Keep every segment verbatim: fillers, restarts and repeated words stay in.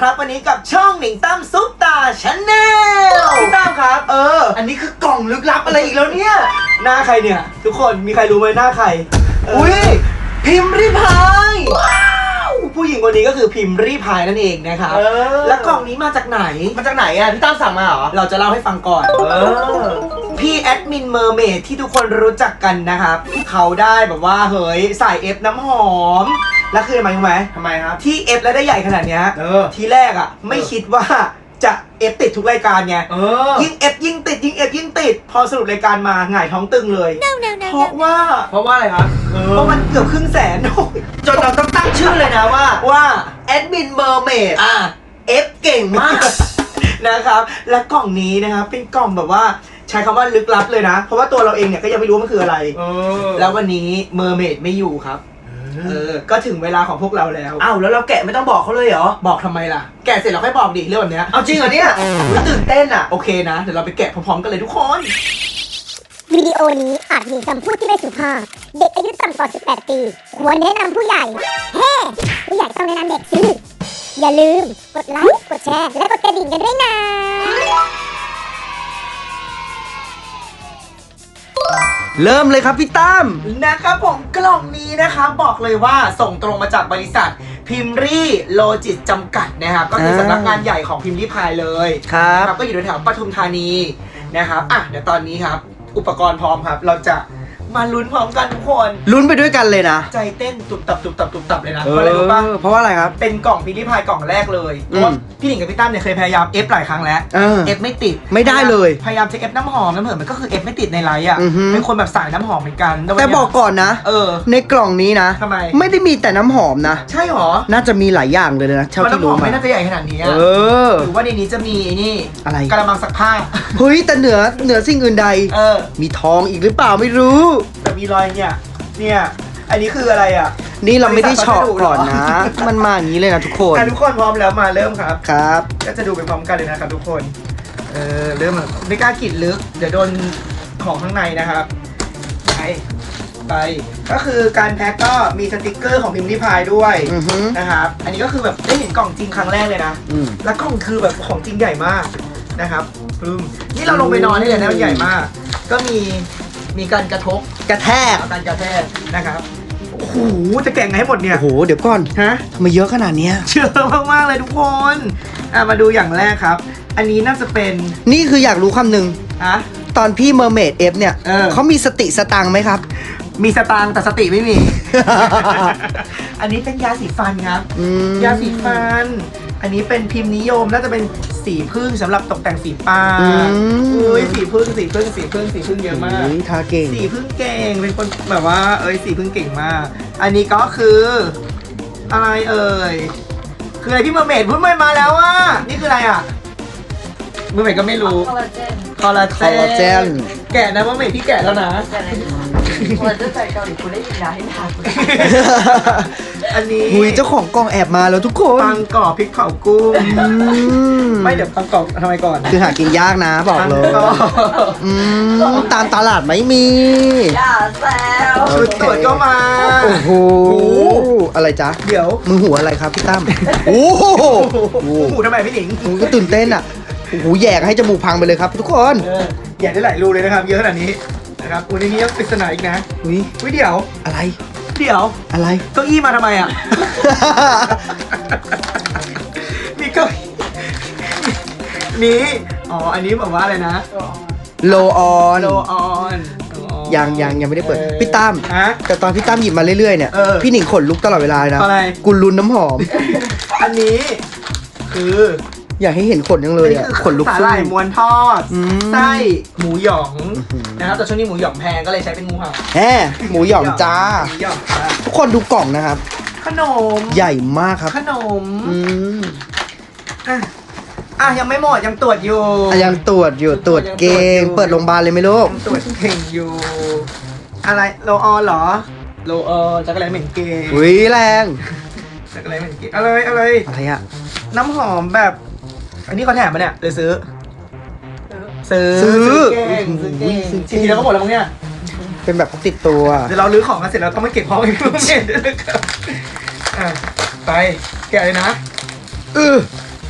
ครับวันนี้กับช่องหนิงตั้มซุปตาชาแนลพี่ตั้มครับเอออันนี้คือกล่องลึกลับอะไรอีกแล้วเนี่ยหน้าใครเนี่ยทุกคนมีใครรู้ไหมหน้าใครอุ้ยพิมพ์ริพายว้าวผู้หญิงคนนี้ก็คือพิมพ์ริพายนั่นเองนะครับแล้วกล่องนี้มาจากไหนมาจากไหนอ่ะพี่ตั้มสั่งมาเหรอเราจะเล่าให้ฟังก่อนเออพี่แอดมินเมอร์เมดที่ทุกคนรู้จักกันนะครับเขาได้แบบว่าเฮ้ยใส่เอฟน้ำหอมแล้วคือทำไมรู้ไหมทำไมครับที่เอฟแล้วได้ใหญ่ขนาดเนี้ยทีแรกอ่ะไม่คิดว่าจะเอฟติดทุกรายการไงยิ่งเอฟยิ่งติดยิ่งเอฟยิ่งติดพอสรุปรายการมาหงายท้องตึงเลย no, no, no, เพราะว่าเพราะว่าอะไรครับเพราะมันเกือบครึ่งแสนจนเราต้องตั้งชื่อเลยนะว่าว่าแอดมินเมอร์เมดอ่ะเอฟเก่งมากนะครับและกล่องนี้นะครับเป็นกล่องแบบว่าใช้คำว่าลึกลับเลยนะเพราะว่าตัวเราเองเนี่ยก็ยังไม่รู้มันคืออะไรแล้ววันนี้เมอร์เมดไม่อยู่ครับเออก็ถึงเวลาของพวกเราแล้วอ้าวแล้วเราแกะไม่ต้องบอกเขาเลยเหรอบอกทำไมล่ะแกะเสร็จเราค่อยบอกดิเรื่องแบบนี้เอาจริงเหรอเนี่ยตื่นเต้นอ่ะโอเคนะเดี๋ยวเราไปแกะพร้อมๆกันเลยทุกคนวิดีโอนี้อาจมีคำพูดที่ไม่สุภาพเด็กอายุต่ำกว่าสิบแปดปีควรแนะนำผู้ใหญ่เฮ้ผู้ใหญ่ต้องแนะนำเด็กสิอย่าลืมกดไลค์กดแชร์และกดกระดิ่งกันด้วยนะเริ่มเลยครับพี่ตั้มนะครับผมกล่องนี้นะครับบอกเลยว่าส่งตรงมาจากบริษัทพิมรี่โลจิสจำกัดนะครับก็คือสำนักงานใหญ่ของพิมพ์ริพายเลยครับก็อยู่แถวปทุมธานีนะครับอ่ะเดี๋ยวตอนนี้ครับอุปกรณ์พร้อมครับเราจะมาลุ้นพร้อมกันทุกคนลุ้นไปด้วยกันเลยนะใจเต้นตุบตับตุบตับตุบตับเลยนะเพราะอะไรรู้ป่ะเพราะว่าอะไรครับเป็นกล่องพิมพ์ริพายกล่องแรกเลยเพราะว่าพี่หนิงกับพี่ตั้มเนี่ยเคยพยายามเอฟหลายครั้งแล้วเอฟไม่ติดไม่ได้เลยพยายามจะเอฟน้ำหอมน้ำเหินมันก็คือเอฟไม่ติดในไลน์อ่ะเป็นคนแบบสายน้ำหอมเหมือนกันแต่บอกก่อนนะเออในกล่องนี้นะทำไมไม่ได้มีแต่น้ำหอมนะใช่หรอน่าจะมีหลายอย่างเลยนะเท่าที่รู้มาไม่น่าจะใหญ่ขนาดนี้เออหรือว่าในนี้จะมีนี่อะไรกระมังซักผ้าเฮ้ยแต่เหนือเหนือสิ่งอื่นใดเออมีทองอีกหรือเปล่าไม่รู้แต่มีรอยเนี่ยเนี่ยอันนี้คืออะไรอ่ะนี่เราไม่ได้เฉาะก่อนนะมันมาอย่างนี้เลยนะทุกคนทุกคนพร้อมแล้วมาเริ่มครับครับก็จะดูไปพร้อมกันเลยนะครับทุกคนเออเริ่มไม่กล้ากรีดลึกเดี๋ยวโดนของข้างในนะครับไปไปก็คือการแพ็คก็มีสติกเกอร์ของพิมพ์ริพายด้วยนะครับอันนี้ก็คือแบบได้เห็นกล่องจริงครั้งแรกเลยนะแล้วกล่องคือแบบของจริงใหญ่มากนะครับปึ้มนี่เราลงไปนอนนี่เลยนะมันใหญ่มากก็มีมีการกระทบกระแทกการกระแทกนะครับโอ้โหจะแกะไงให้หมดเนี่ยโอ้โหเดี๋ยวก่อนฮะทำไมเยอะขนาดนี้เยอะมากๆเลยทุกคนอ่ะมาดูอย่างแรกครับอันนี้น่าจะเป็นนี่คืออยากรู้คำหนึ่งอะตอนพี่เมอร์เมดเอฟเนี่ย เ, เขามีสติสตังไหมครับมีสตังแต่สติไม่มี อันนี้เป็นยาสีฟันครับยาสีฟันอันนี้เป็นพิมพ์นิยมน่าจะเป็นสีพึ่งสำหรับตกแต่งฝีปากอุ้ยสีพึ่งสีพึ่งสีพึ่งสีพึ่งเยอะมากทาเก่งสีพึ่งเก่งเป็นคนแบบว่าเอ้ยสีพึ่งเก่งมากอันนี้ก็คืออะไรเอ่ยคืออะไรพี่เมอร์เมดพูดไม่มาแล้วอ่ะนี่คืออะไรอ่ะเมอร์เมดก็ไม่รู้คอลลาเจนคอลลาเจนแกะนะเมอร์เมดพี่แกะแล้วนะคอลลาเจนใส่เกาหลีคุณได้ยินนะให้ทานอันนี้หุยเจ้าของกล่องแอบมาแล้วทุกคนปังกรอบพริกเผากุ้งไม่เดี๋ยวปังกรอบทำไมก่อนคือหากินยากนะบอกเลยตามตลาดไม่มีอย่าแซวชุดตรวจก็มาโอ้โหอะไรจ๊ะเดี๋ยวมือหูอะไรครับพี่ตั้มโอ้โหหูทำไมพี่หนิงหูก็ตื่นเต้นอ่ะโอ้โหแยกให้จมูกพังไปเลยครับทุกคนแยกได้หลายรูเลยนะครับเยอะขนาดนี้นะครับวันนี้ยังปริศนาอีกนะอุ้ยอุ้ยเดี๋ยวอะไรเดี๋ยวอะไรเก้าอี้มาทำไมอ่ะมีเก้าอี้นี้อ๋ออันนี้บอกว่าอะไรนะโลออนโลออนยังยังยังไม่ได้เปิดพี่ตั้มแต่ตอนพี่ตั้มหยิบมาเรื่อยๆเนี่ยพี่หนิงขนลุกตลอดเวลานะกุลุนน้ำหอมอันนี้คืออยากให้เห็นขนยังเลยอ่ะขนลุกสาหร่ายม้วนทอดไส้หมูหยองนะครับแต่ช่วงนี้หมูหยองแพงก็เลยใช้เป็นงูเห่าแหมหมูหยองจ้าทุกคนดูกล่องนะครับขนมใหญ่มากครับขนมอืมอ่ะอ่ะยังไม่หมดยังตรวจอยู่ยังตรวจอยู่ตรวจเก่งเปิดโรงพยาบาลเลยไหมลูกตรวจเก่งอยู่อะไรโลออนเหรอโลออนจักรแลเหม็นเก่งอุ้ยแรงจักรแลเหม็นเก่งอะไรอะไรอะไรอะน้ำหอมแบบอันนี้เขาแถมมาเนี่ยเลยซื้อซื้อซื้อเก่งซื้อเก่งทีเดียวก็หมดแล้วมั้งเนี่ยเป็นแบบติดตัวเดี๋ยวเราลื้อของกันเสร็จแล้วต้องมาเก็บพร้อมกันเสร็จด้วยนะครับอ่ะไปแกะเลยนะเออ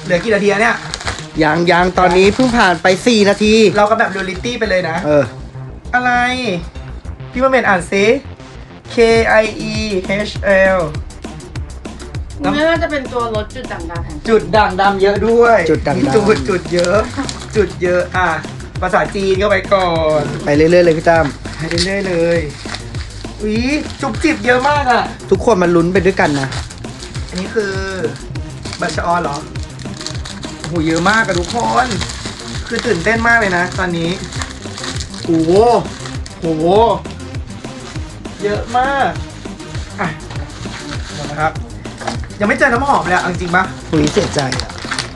เหลือกี่นาทีอะเนี่ยยังยังตอนนี้เพิ่งผ่านไปสี่นาทีเราก็แบบเรียลลิตี้ไปเลยนะเอออะไร พี่มาเมนอ่านซิ K I E H L ไม่ว่าจะเป็นตัวลดจุดด่างดำแห่งจุดด่างดำเยอะด้วยจุดด่างดำจุดจุดเยอะ จุดเยอะอ่ะภาษาจีนก็ไปก่อนไปเรื่อยๆเลยพี่ตั้มไปเรื่อยๆเลยอุ้ยจุบจิบเยอะมากอ่ะทุกคนมาลุ้นไปด้วยกันนะอันนี้คือบัตรชออนเหรอโอ้โหเยอะมากอะทุกคน คือตื่นเต้นมากเลยนะ ตอนนี้โอ้โหโอ้โหเยอะมากอ่ะหมดนะครับ ยังไม่เจอน้ำหอมเลยอะเอาจริงปะคุยเสียใจอ่ะ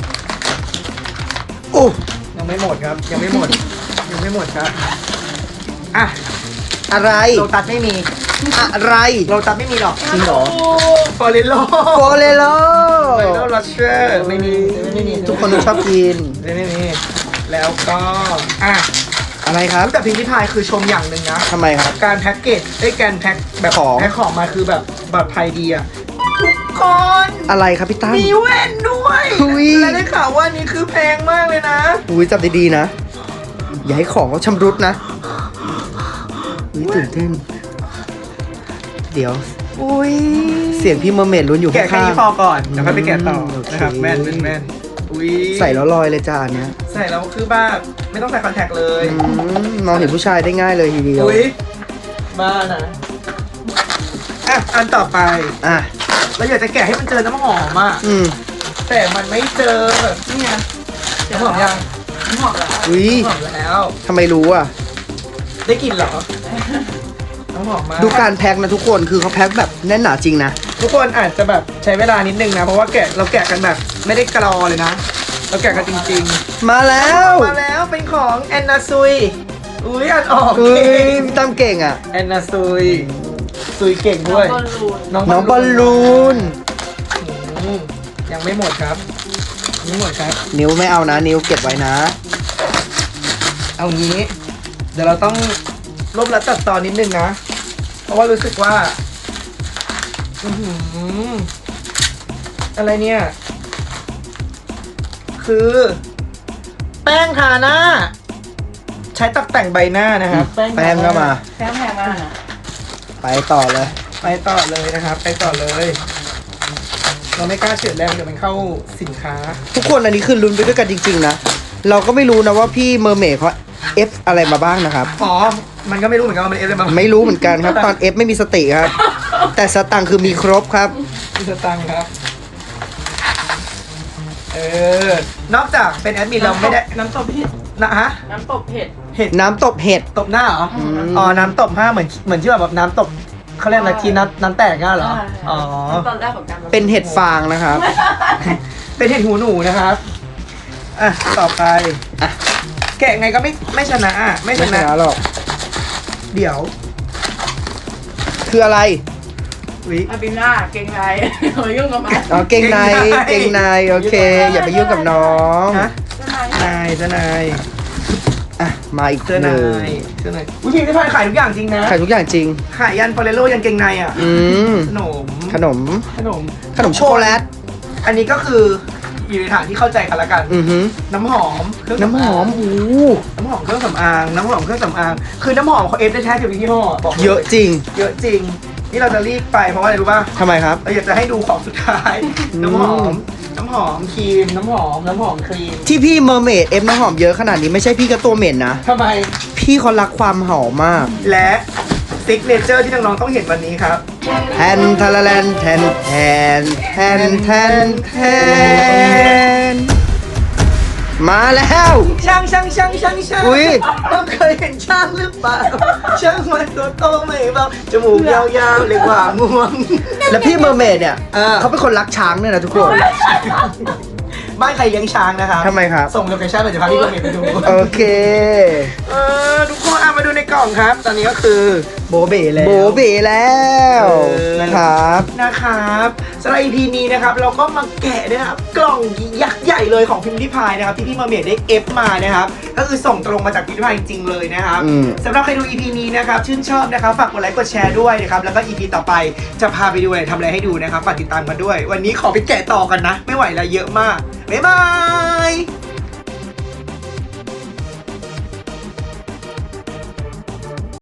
โอ้ยังไม่หมดครับ ยังไม่หมด ยังไม่หมดครับอ่ะอะไรโลตัสไม่มีอะไรโลตัสไม่มีหรอกจริงเหรอฟอเรโลโกเลโลฟอเรโลลัชเชอร์ไม่มีไม่มีทุกคนต้องชอบกินไม่ไม่มีแล้วก็อ่ะอะไรครับแต่พิมพ์ริพายคือชมอย่างหนึ่งนะทำไมครับการแพ็กเกจไอ้ยการแพ็คแบบของแพ็คของมาคือแบบแบบไทยดีอะทุกคนอะไรครับพี่ตั้มมีแว่นด้วยอุ๊ยและได้ข่าวว่านี่คือแพงมากเลยนะอุ้ยจับดีๆนะ อย่าให้ของเขาชำรุดนะอุ้ยตื่นเต้น เดี๋ยวอุ้ยเสียงพี่เมอร์เมดลุ้นอยู่แกะแค่ข้างนี้พอก่อนเดี๋ยวค่อยไปแกะต่ออืมโอเคนะครับแม่นแม่นแม่นอุ้ยๆใส่แล้วลอยเลยจ้าอันเนี้ยใส่แล้วคือบ้าไม่ต้องใส่คอนแทคเลยอืมมองเห็นผู้ชายได้ง่ายเลยทีเดียวอุ้ยบ้านะอ่ะอันต่อไปอ่ะเราอยากจะแกะให้มันเจอน้ำหอมอ่ะอืมแต่มันไม่เจอแบบนี่ไงน้ำหอมยังน้ำหอมแล้วอุ้ยน้ำหอมแล้วทำไมรู้อ่ะได้กลิ่นเหรอ น้ำหอมมากดูการแพ็คนะทุกคน คือเขาแพ็คแบบแน่นหนาจริงนะทุกคนอาจจะแบบใช้เวลานิดนึงนะ เพราะว่าแกะเราแกะกันแบบไม่ได้กรอเลยนะ เราแกะกันจริงมาแล้ๆวมาแล้วเป็นของแอนนาซุย อุ้ยอ่านออกเฮ้เก่ยงพี่ตั้มเก่งอ่ะแอนนาซุยซุยเก่งด้วยบอลลูนน้องบอลลูนอืมยังไม่หมดครับยังไม่หมดครับนิ้วไม่เอานะ นิ้วเก็บไว้นะเอางี้ เดี๋ยวเราต้องลบและตัดตอนนิดนึงนะ เพราะว่ารู้สึกว่า อือหืออะไรเนี่ย คือ แป้งทาหน้า ใช้ตกแต่งใบหน้านะครับแป้งทหน้ก็มาแพงแพงมากนะไปต่อเลยไปต่อเลยนะครับ ไปต่อเลย เราไม่กล้าเฉือนแรงเดี๋ยวมันเข้าสินค้าทุกคนอันนี้คือลุ้นไปด้วยกันจริง ๆ นะ เราก็ไม่รู้นะว่าพี่เมอร์เมดเขาเอฟอะไรมาบ้างนะครับอ๋อ มันก็ไม่รู้เหมือนกันว่ามันเอฟอะไรมาไม่รู้เหมือนกันครับ ตอนเอฟไม่มีสติครับ แต่สตังค์คือมีครบครับมีสตังค์ครับ เออ นอกจากเป็นแอดมินเราไม่ได้น้ำตบเห็ดนะฮะน้ำตบเห็ดเห็ดน้ำตบเห็ดตบหน้าเหรออืมอ๋อ น้ำตบห้าเหมือนเหมือนที่แบบน้ำตบเขาเรียกอะไรทีน้ำน้ำแตกง่ะเหรอ อ๋อตอนแรกของการเป็นเห็ดฟางนะครับเป็นเห็ดหูหนูนะครับ อ่ะ ต่อไปอ่ะแกะไงก็ไม่ไม่ชนะอ่ะ ไม่ชไม่ชนะนะหรอกเดี๋ยวคืออะไรวิอาบิน่าเก่งไรเฮ้ยยุ่งกับมันอ๋อเก่งในเก่เก่งงในในโอเค อย่าไปยุ่งกับน้องฮะเจ้านายนายเจ้านายอ่ะ มาอีกเจ้าหนานึ่งยเจ้านายอุ้ยพี่ที่พายขายทุกอย่างจริงนะขายทุกอย่างจริงขายยันฟอเรโลยันเกงในอ่ะอืมขนมขนมขนมขนมโชโกแลตอันนี้ก็คืออยู่ในฐานที่เข้าใจกันละกันอือหือน้ำหอมเครื่องน้ำหอมสำางโอ้โหน้ำหอมเครื่องสำอาง น้ำหอมเครื่องสำอาง คือน้ำหอมเขาเอฟได้แท้เดียวกับยี่ห้อบอกลเยอะจริงเยอะจริง นี่เราจะรีบไปเพราะว่าอะไรรู้ป่ะทำไมครับเราอยากจะให้ดูของสุดท้ายอืมน้ำหอม น้ำหอมครีม น้ำหอม น้ำหอมครีมที่พี่เมอร์เมดเอฟน้ำหอมเยอะขนาดนี้ไม่ใช่พี่กระตัวเหม็นนะทำไมพี่เขารักความหอมมากและซิกเนเจอร์ที่น้องๆต้องเห็นวันนี้ครับแทนทาราแลนแทนแทนแทนแทนแทนมาแล้วช่างช่างช่างช่างช่างอุ๊ยต้องเคยเห็นช่างหรือเปล่า ช่างมันตัวโตไม่เบาจมูกยาวๆเลยกว่างวงแล้วพี่เมอร์เมดเนี่ยเออเขาเป็นคนรักช้างเนี่ยนะทุกคนบ้านใครเลี้ยงช้างนะครับทำไมครับส่งโลเคชั่นเลยจะพาพี่เมย์ไปดูโอเคเออทุกคนเอามาดูในกล่องครับ ตอนนี้ก็คือโบเบแล้วโบเบแล้วเออนะครับนะครับสำหรับ อี พี นี้นะครับเราก็มาแกะนะครับกล่องยักษ์ใหญ่เลยของพิมพ์ริพายนะครับที่พี่เมย์เมดได้เอฟมานะครับก็คือส่งตรงมาจากพิมพ์ริพายจริงๆเลยนะครับอืมสำหรับใครดู อี พี นี้นะครับชื่นชอบนะครับฝากกดไลค์กดแชร์ด้วยนะครับแล้วก็ อี พี ต่อไปจะพาไปดูอะไรทำอะไรให้ดูนะครับฝากติดตามกันด้วย วันนี้ขอไปแกะต่อกันนะ ไม่ไหวแล้วเยอะมากบ๊ายบาย